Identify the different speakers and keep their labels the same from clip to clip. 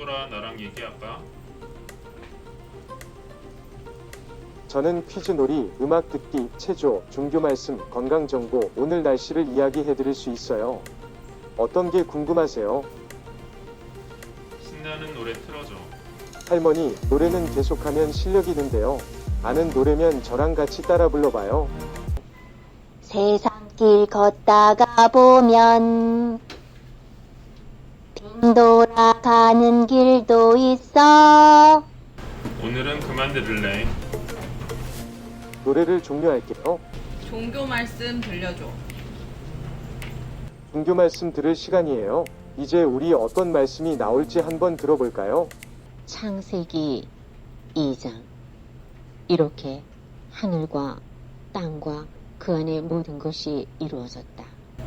Speaker 1: 떠돌아 나랑 얘기할까?
Speaker 2: 저는 퀴즈놀이, 음악 듣기, 체조, 종교 말씀, 건강 정보, 오늘 날씨를 이야기해 드릴 수 있어요. 어떤 게 궁금하세요?
Speaker 1: 신나는 노래 틀어줘.
Speaker 2: 할머니, 노래는 계속하면 실력이 는데요. 아는 노래면 저랑 같이 따라 불러봐요.
Speaker 3: 세상길 걷다가 보면 빙 돌아가는 길도 있어.
Speaker 1: 오늘은 그만 들을래.
Speaker 2: 노래를 종료할게요.
Speaker 4: 종교 말씀 들려줘.
Speaker 2: 종교 말씀 들을 시간이에요. 이제 우리 어떤 말씀이 나올지 한번 들어볼까요?
Speaker 5: 창세기 2장. 이렇게 하늘과 땅과 그 안의 모든 것이 이루어졌다.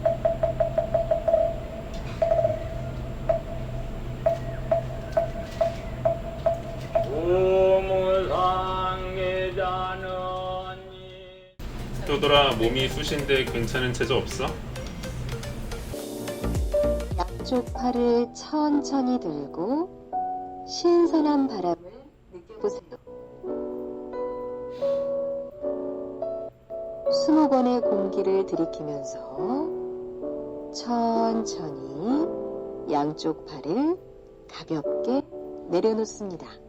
Speaker 1: 떠돌아 몸이 쑤신데 괜찮은 체조 없어?
Speaker 5: 양쪽 팔을 천천히 들고 신선한 바람을 느껴보세요. 20번의 공기를 들이키면서 천천히 양쪽 팔을 가볍게 내려놓습니다.